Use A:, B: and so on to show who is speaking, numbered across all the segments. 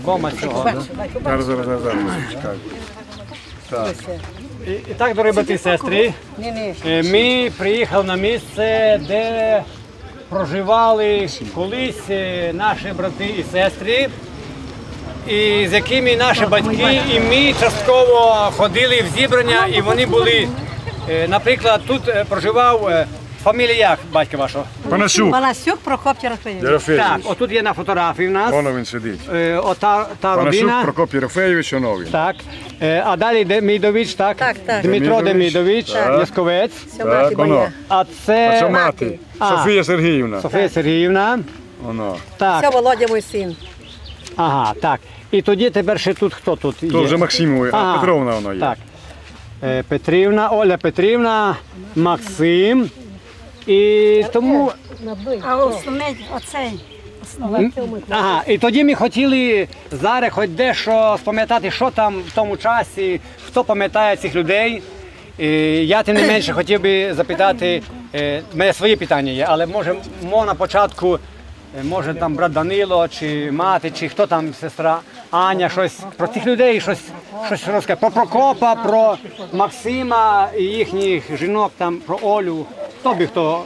A: Дома цього.
B: Зараз, чекай. Так.
A: І так, дорогі брати і сестри, ми приїхали на місце, де проживали колись наші брати і сестри, і з якими наші батьки і ми частково ходили в зібрання, і вони були, наприклад, тут проживав фамілія як батька вашого?
B: Панасюк.
C: Панасюк Прокоп Єрофеєвич.
B: Єрофеєвич.
A: Так, отут є на фотографії в нас.
B: Воно він сидить.
A: Ота та
B: Панасюк
A: родина.
B: Прокоп Єрофеєвич, воно він.
A: Так. А далі Демідович, так?
C: Так.
A: Дмитро Демідович, Ясковець.
C: Це мати
B: воно.
C: моя.
A: А
B: Це
A: це
B: мати. Софія Сергіївна.
A: Софія Сергіївна.
B: Воно.
C: Це
A: Так.
C: Володя мій син.
A: Ага, так. І тоді тепер ще тут хто тут є?
B: То вже Максимові, а
A: Ага,
B: Петровна воно є.
A: Так. Петрівна, Оля Петрівна, Максим. І тому.
C: А основний оцей.
A: Ага, і тоді ми хотіли зараз хоч дещо спам'ятати, що там в тому часі, хто пам'ятає цих людей. І я тим не менше хотів би запитати, в мене свої питання є, але може на початку, може там брат Данило, чи мати, чи хто там, сестра Аня, щось про цих людей, щось розкаже. Про Прокопа, про Максима і їхніх жінок, там, про Олю. Хто би хто?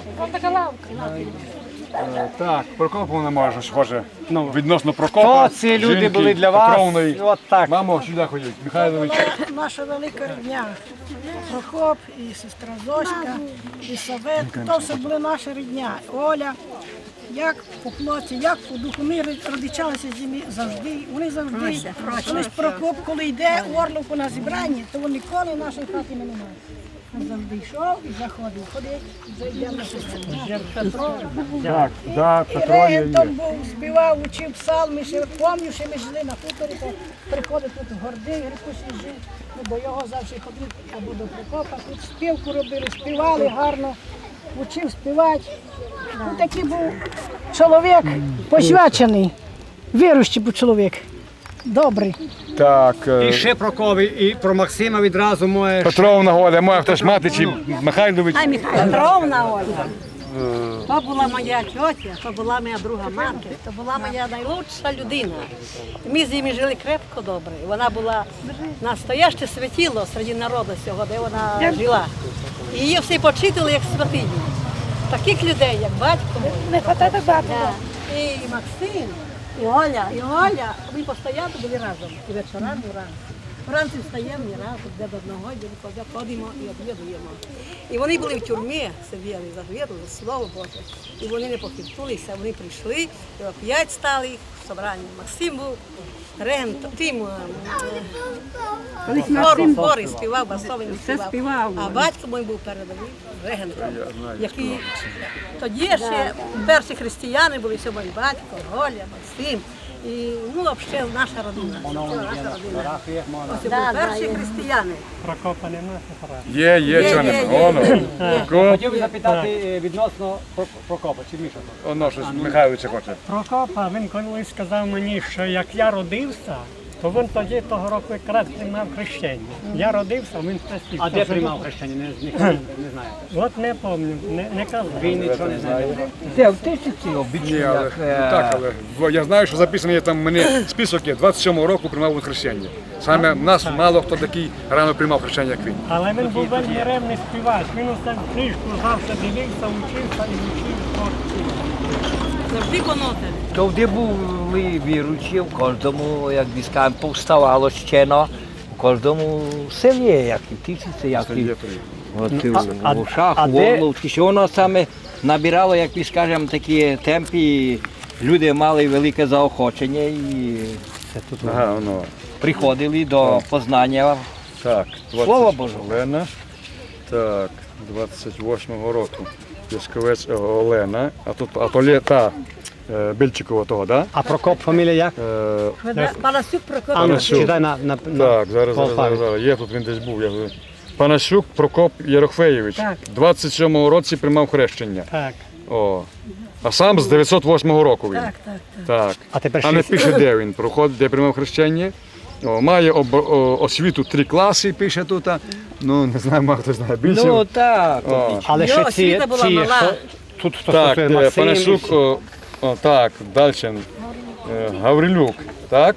B: Так, Прокоп вона може схоже. Відносно Прокопа.
A: Хто ці люди
B: жінки
A: були для вас?
B: Петровної.
A: От так.
B: Мамо, сюди ходіть. Михайлович.
D: Наша велика рідня. Прокоп, і сестра Зоська, і Саветка, то все були наша рідня. Оля, як по плоті, як по духу. Ми родичалися з ними завжди. Вони завжди. Колись Прокоп, коли йде Орловку на зібрання, то він ніколи нашої хати не немає. Він завжди йшов і заходив. Ходить, зайде на сестру.
B: Так,
D: І
B: Петро є.
D: регентом був, співав, учив псалми, ще пам'ятаю, що ми жили на хуторі, то приходив тут в Горди, Грикусі жив, бо його завжди ходив або до Прокопа, тут співку робили, співали гарно, учив співати. Ну, такий був чоловік посвячений, віруючий був чоловік, добрий.
B: Так,
A: І ще про Кови, і про Максима відразу моє.
B: Петровна Оля, моя хтось мати чи Михайлович.
C: Ай, Петровна Ольга. То була моя тьотя, то була моя друга мати, то була моя найлучша людина. Ми з ними жили крепко добре. Вона була настояще святіло серед народу цього, де вона жила. І її всі почитали як святиню. Таких людей, як батько мій.
D: Не хватає багато.
C: І Максим, і Оля, ми постійно були разом. І вечорами разом. Вранці встаємо і разом, де до одного ходимо і об'єднуємо. І вони були в тюрмі, сиділи за віру, за слово Боже. І вони не похитнулися, вони прийшли, і оп'ять стали в собранні. Максим був регентом, тим хори співав, басовий співав. А батько мій був передовий регентом, який тоді ще перші християни були, що мій батько, Оля, Максим. І, ну, взагалі, наша родина. Ось були перші християни.
A: Прокопа немає.
B: Є, чого не. Воно.
A: Хотів би запитати відносно Прокопа, чи Міша?
B: Воно щось Михайловича хоче.
E: Прокопа, він колись сказав мені, що як я родився, то він тоді того року якраз приймав хрещення. Я родився, він хрестився.
A: А де приймав хрещення? Не знаю.
E: От не пам'ятаю, не казав.
A: Він нічого не знає.
F: Де в тисячі
B: Ні,
F: обічні,
B: але,
F: як
B: так, але я знаю, що записано є там в мене список є, 27-го року приймав він хрещення. Саме в нас мало хто такий рано приймав хрещення, як він.
E: Але він був вельми ревний співач. Він усе книжку завжди дивився, учився і учив.
C: Завжди конотель.
F: Туди були віруючі, в кожному, як би скажемо, повставало щено, в кожному селі, як і тисячі, як і в Ушах, в Орловці, що воно саме набирало, як би скажемо, такі темпи, люди мали велике заохочення і
B: Ага, воно.
F: приходили до познання
B: Так,
F: Слова Божого.
B: Олена. Так, 28-го року. Ясковець Олена. А то літа Більчикова того, так?
A: А Прокоп фамілія як?
C: Панасюк Прокоп.
A: А ну,
B: Панасюк.
A: читай на
B: Так, зараз. Є тут він десь був. Панасюк Прокоп Єрофеєвич. 27-го році приймав хрещення.
E: Так.
B: О. А сам з 908 року він. Так.
A: А тепер
B: А не
A: 6.
B: пише, де він проходить, де приймав хрещення. О, має освіту 3 класи, пише тут. Ну, не знаю, мало хто знає більше.
F: Ну так,
B: О.
A: Але
C: Його
A: ще ці,
C: освіта була мала.
A: тут хто
B: Так,
A: стосує Максим.
B: Панасюк, так, далі. Гаврилюк, так?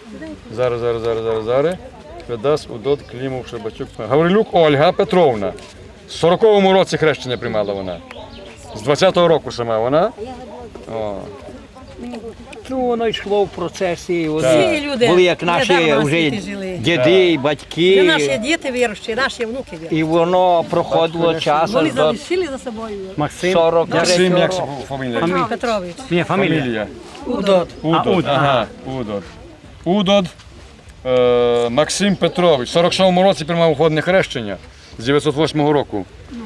B: Зараз. Федас Удод Клімов Шебачук. Гаврилюк Ольга Петровна. В 40-му році хрещення приймала вона. З 20-го року сама вона. О.
F: Ну, воно йшло в процесі.
C: Всі люди
F: Були як наші
C: недавно на
F: вже
C: світі жили.
F: діди,
C: Це
F: батьки.
C: наші діти віруючі, наші внуки віруючі.
F: І воно проходило часом
C: Вони
F: до
C: залишили за собою.
A: Максим.
F: 43
B: Максим, як
F: року.
B: фамілія?
C: Петрович.
A: Ні, фамілія.
B: Фамілія.
C: Удод.
B: Удод. Ага, Удод. Максим Петрович. В 47-му році приймав уходне хрещення з 908 року.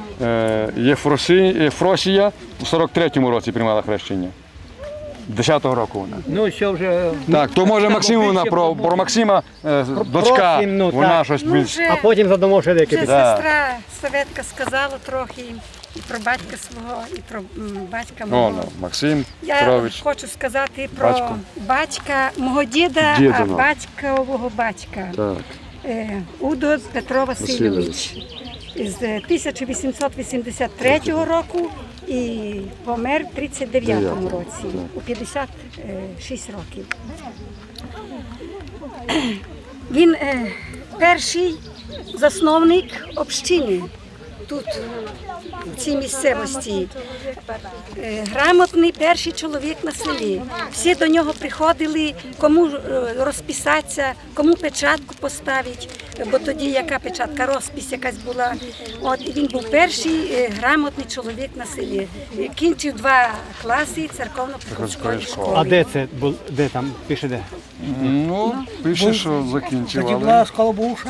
B: Єфросія в 43-му році приймала хрещення. 10-го року вона.
F: Ну, що вже...
B: Так, то може Максимовна, про Максима, дочка,
A: Просим, ну,
B: вона
A: так.
B: щось
G: Ну,
B: більш...
G: вже,
A: А потім задамо ще деякі
G: вже
A: питання.
G: сестра Советка сказала трохи і про батька свого, і про батька
B: О,
G: мого.
B: ну, Максим
G: Я
B: Петрович.
G: хочу сказати про
B: Батько.
G: батька мого діда,
B: Дідиного.
G: а батькового батька.
B: Так.
G: Удо Петро Васильович. З 1883 року і помер в 39-му році, у 56 років. Він перший засновник общини тут, в цій місцевості. Грамотний перший чоловік на селі. Всі до нього приходили, кому розписатися, кому печатку поставити, бо тоді яка печатка, розпис якась була. От, і він був перший грамотний чоловік на селі. Кінчив 2 класи церковно-приходської школи.
A: А де це? Де там? Пише де?
B: Ну, пише, що закінчив,
H: Тоді
B: але...
H: була школа Буша.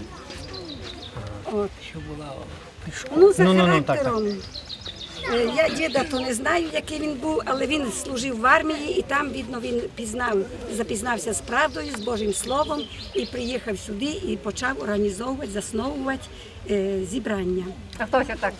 G: Ну, за
A: Ну,
G: характером. Я діда то не знаю, який він був, але він служив в армії і там, видно, він запізнався з правдою, з Божим Словом і приїхав сюди і почав організовувати, засновувати зібрання.
C: А хто це так?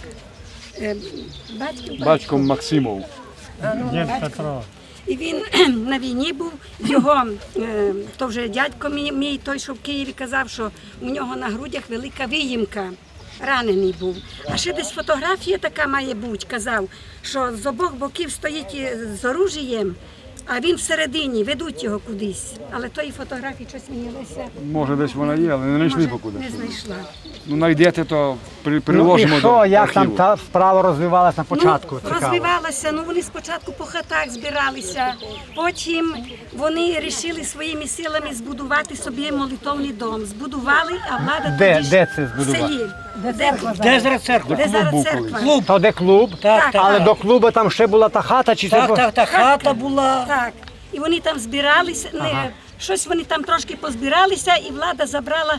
B: Батьком Максимов.
E: Дід Петро.
G: І він на війні був, його, то вже дядько мій, той, що в Києві казав, що у нього на грудях велика виїмка. Ранений був. А ще десь фотографія така має бути, казав, що з обох боків стоїть з оружієм, а він всередині, ведуть його кудись. Але тої фотографії щось мені Леся
B: Може, десь вона є, але не знайшли покуди.
G: не знайшла.
B: Ну, знайдете, то
A: Ну і
B: приложимо до
A: що, як там
B: архіву.
A: та справа розвивалась на початку?
G: Ну,
A: Цікаво.
G: розвивалася, ну вони спочатку по хатах збиралися, потім вони вирішили своїми силами збудувати собі молитовний дом. Збудували, а влада
A: Де-
G: тоді ж
A: де це
G: в
A: збудували?
G: селі.
H: Де зараз церква?
G: Де зараз
B: був
G: церква?
H: Клуб.
A: То де клуб?
H: Так, так.
A: Але до клубу там ще була та хата, чи це?
H: Так, хата була.
G: Так. І вони там збиралися, щось вони там трошки позбиралися, і влада забрала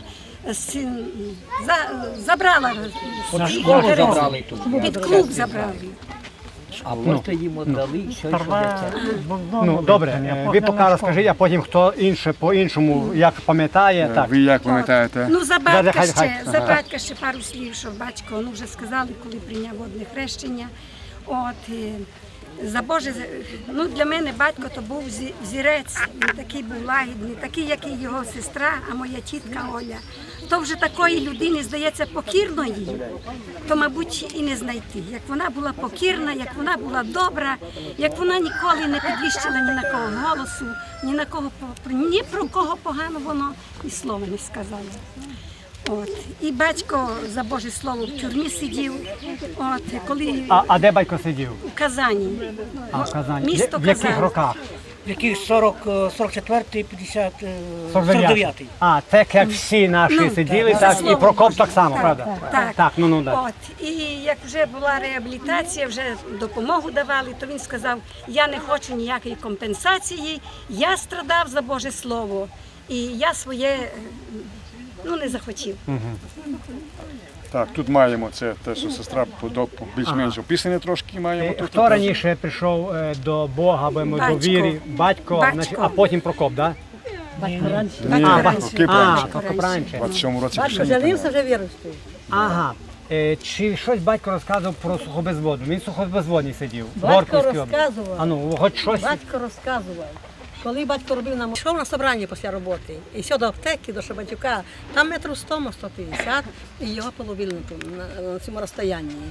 G: забрала
F: Школу забрали тут.
G: під клуб забрали.
F: А просто їм віддали, що
A: Ну, добре, ви поки розкажіть, а потім хто інше по-іншому, як пам'ятає, так.
B: Ви як пам'ятаєте?
G: Ну, за батька
A: Хай-
G: ще, за батька ще пару слів, що батько, ну вже сказали, коли прийняв водне хрещення. От, за Боже, ну для мене батько то був взірець, він такий був лагідний, такий, як і його сестра, а моя тітка Оля. То вже такої людини, здається, покірної, то, мабуть, і не знайти. Як вона була покірна, як вона була добра, як вона ніколи не підвищила ні на кого голосу, ні про кого погано воно і слова не сказала. От. І батько за Боже Слово в тюрмі сидів, от, коли
A: А де батько сидів?
G: у Казані.
A: А, в Казані.
G: Місто
A: В яких
G: Казань.
A: роках?
H: В яких 44-й, 50,
A: 49.
H: 49-й.
A: А, так як всі наші
G: Ну,
A: сиділи,
G: за
A: так і
G: Слово
A: Прокоп
G: Боже.
A: так само, правда?
G: Так.
A: Ну, так.
G: От. І як вже була реабілітація, вже допомогу давали, то він сказав, я не хочу ніякої компенсації, я страдав за Боже Слово. І я своє не захотів.
B: Так, тут маємо це те, що сестра більш-менш описане трошки маємо. Тут
A: Хто раніше прийшов до Бога, або до
G: Батько.
A: віри? Батько,
G: Батько.
A: значить, а потім Прокоп, так?
B: Ні,
G: раніше.
B: Кип раніше.
A: Прокоп раніше.
B: В 27 році
C: Батько
B: хрещення.
C: женився, вже віруючий.
A: Ага. Чи щось батько розказував про сухобезводну? Він сухобезводний сидів. в
C: Батько
A: Горківській області.
C: розказував.
A: А ну, хоч щось.
C: Батько розказував. Коли батько робив нам йшов на собрання після роботи, і йшов до аптеки, до Шабатюка, там метрів 100-150, і його половили на цьому розстоянні.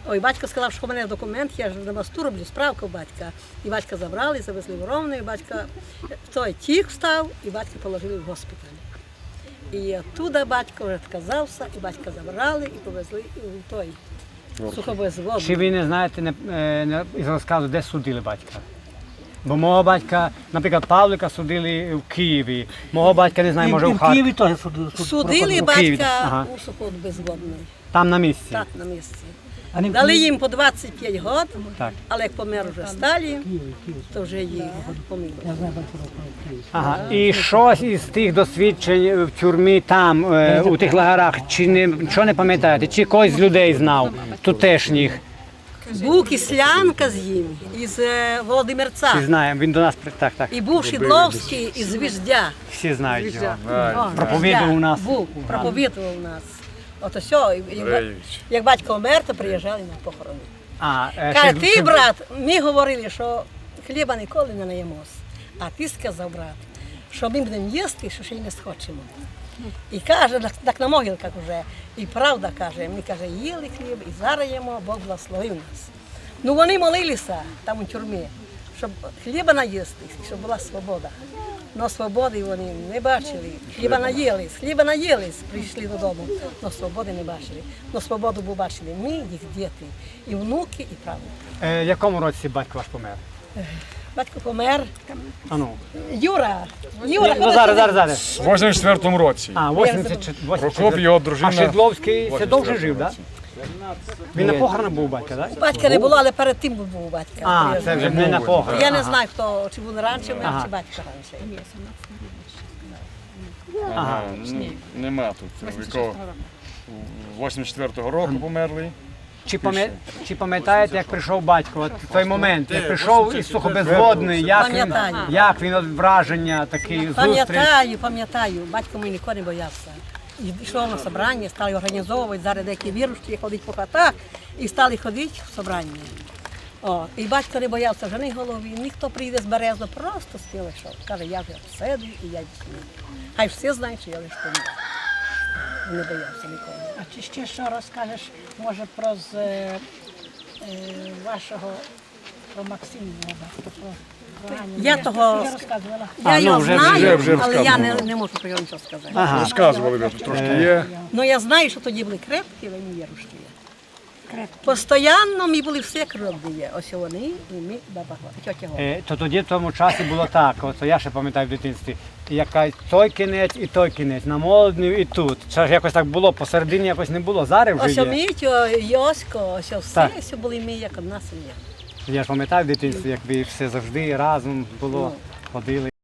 C: Ой, батько сказав, що в мене документ, я ж на мосту роблю справку батька. І батька забрали, завезли в Ровно, і батька в той тік встав, і батька положили в госпіталь. І оттуда батько вже відказався, і батька забрали і повезли в той сухобезводний.
A: Чи ви не знаєте із розказу, де судили батька? Бо мого батька, наприклад, Павлика судили в Києві, мого батька, не знаю, може
H: І
A: в
H: в
A: Харкові.
H: Києві теж
C: Судили
A: в Києві,
C: батька
A: ага.
C: у сухобезводний.
A: Там на місці.
C: Так, на місці.
H: А не в
C: Дали
H: Києві?
C: їм по 25 років,
A: Так.
C: але як помер вже Сталін, то вже їх помилили.
H: Я знаю, що в Києві.
A: Ага. І щось із тих досвідчень в тюрмі там, у тих лагерах, чи нічого не пам'ятаєте? Чи когось з людей знав, тутешніх?
C: Був Кислянка з ним, із Володимирця.
A: Всі знаємо, він до нас, так, так,
C: І був Шідловський із Віждя.
A: всі знають його.
C: О,
A: Проповідував у нас.
C: Був, проповідував у нас. От все, як батько вмер, то приїжджали на похорони. Каже, ти, брат, ми говорили, що хліба ніколи не наїмось. А ти сказав, брат, що ми будемо їсти, що ще й не схочемо. І каже, так на могилках вже, і правда каже, ми каже, їли хліб і зараз їмо, Бог благословив нас. Ну вони молилися там у тюрмі, щоб хліба наїсти, щоб була свобода. Но свободи вони не бачили. Хліба наїлись, прийшли додому, но свободи не бачили. Но свободу бачили ми, їх діти, і внуки, і правнуки.
A: В якому році батько ваш помер?
C: Батько помер.
A: А ну.
C: Юра,
A: Ну, зараз.
B: В 84-му році.
A: А, 84.
B: Прокоп, його дружина.
A: А Шедловський це довше жив, так? Він на похоронах був батька, так?
C: батька не було, але перед тим був батька.
A: А, це вже не на похорон.
C: Я не знаю, хто, чи був раніше вмер, чи батько раніше.
B: Ага. Нема тут віков. 84-го року померли.
A: Чи пам'ятаєте, як прийшов батько? От в той момент, як прийшов із сухобезводної,
C: Пам'ятаю.
A: як він от враження, такий зустріч?
C: Пам'ятаю, батько мій ніколи не боявся. І йшов на собрання, стали організовувати, зараз деякі віруючі ходять по хатах і стали ходити в собрання. О, і батько не боявся жени голові, ніхто прийде з березу, просто спіли йшов. Каже, я вже сиду і я йду. Хай всі знають, що я лише помер. Не боявся ніколи.
D: А чи ще що розкажеш, може, про вашого, про Максима, про Аню?
C: Я того-
D: Вже розказувала.
C: Я його знаю,
B: вже
C: але я
B: розказували.
C: не можу про нього нічого сказати.
B: Розказували, ви тут трошки є.
C: Ну я знаю, що тоді були крепкі, вони вірушки. Постоянно ми були всі кровні. Ось вони і ми баба тьотя Голя.
A: То тоді в тому часі було так, от я ще пам'ятаю в дитинстві, яка той кінець і той кінець, на Молоднів і тут. Це ж якось так було, посередині якось не було, зараз
C: Ось
A: вже є.
C: ми, Йосько, ось все,
A: Так.
C: все були ми, як одна сім'я.
A: Я ж пам'ятаю в дитинстві, як ви все завжди разом було, ходили.